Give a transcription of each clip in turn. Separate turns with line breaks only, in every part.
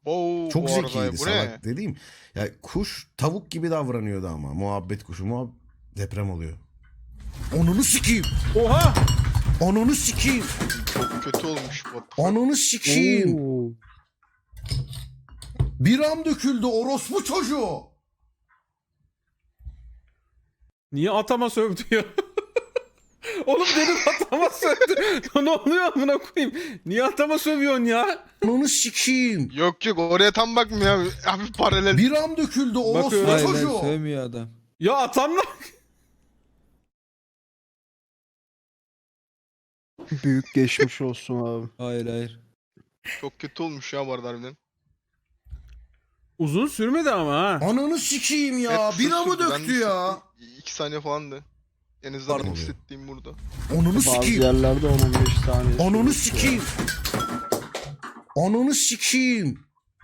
Oo,
Çok
bu arada
zekiydi
bu
salak
ne?
dediğim. Ya kuş tavuk gibi davranıyordu ama. Muhabbet kuşu deprem oluyor. Onunu sikeyim.
Oha!
Onunu sikeyim.
Çok kötü olmuş bu.
Onunu sikeyim.
Oo.
Biram döküldü orospu çocuğu.
Niye atama sövdü ya? Oğlum dedim atama sövdü. Ne oluyor amına koyayım? Niye atama sövüyorsun ya?
Onunu sikeyim.
Yok yok, oraya tam bakmıyor abi. Abi paralel.
Biram döküldü orospu
Bakıyorum.
Hayır lan
çocuğu.
sövmüyor adam.
Ya atamla...
Büyük geçmiş olsun abi.
Hayır hayır.
Çok kötü olmuş ya bu arada harbiden.
Uzun sürmedi ama ha.
Ananı sikeyim ya.
Evet, kısa
Biramı
sürdü. Ben
döktü ya.
hissettim. 2 saniye falandı. En azından benim
Pardon.
hissettiğim burada.
Onunu
Bazı
sikeyim.
yerlerde 10-15 saniye.
Onunu
sürüyor.
sikeyim. Onunu sikeyim.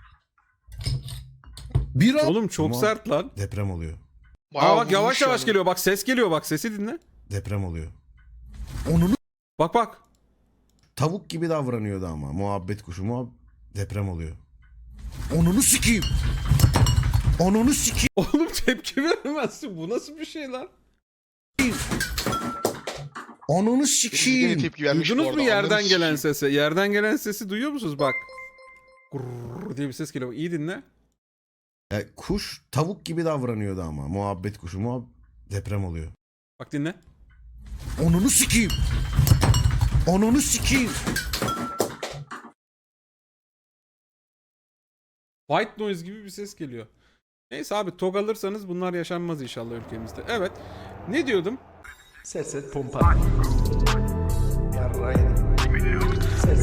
Biram.
Oğlum çok sert lan.
Deprem oluyor.
Bayağı
Aa bak yavaş
vurmuş
yavaş
yani.
geliyor. Bak ses geliyor bak. Sesi dinle.
Deprem oluyor. Onunu
Bak bak.
tavuk gibi davranıyordu ama. Muhabbet kuşu deprem oluyor. Onunu sikeyim. Onunu sikeyim.
Oğlum tepki veremezsin. Bu nasıl bir şey lan?
Onunu
Yine
sikeyim.
tepki vermiş bu
Duydunuz
arada.
mu yerden
Ananı
gelen
sikeyim.
sesi? Yerden gelen sesi duyuyor musunuz? Bak. Gurr diye bir ses geliyor. Bak, İyi dinle.
Ya kuş tavuk gibi davranıyordu ama. Muhabbet kuşu deprem oluyor.
Bak dinle.
Onunu sikeyim. Onunu sikeyim.
White noise gibi bir ses geliyor. Neyse abi TOG alırsanız bunlar yaşanmaz inşallah ülkemizde. Evet. Ne diyordum?
Ses et pompa. Yarraydı. Ses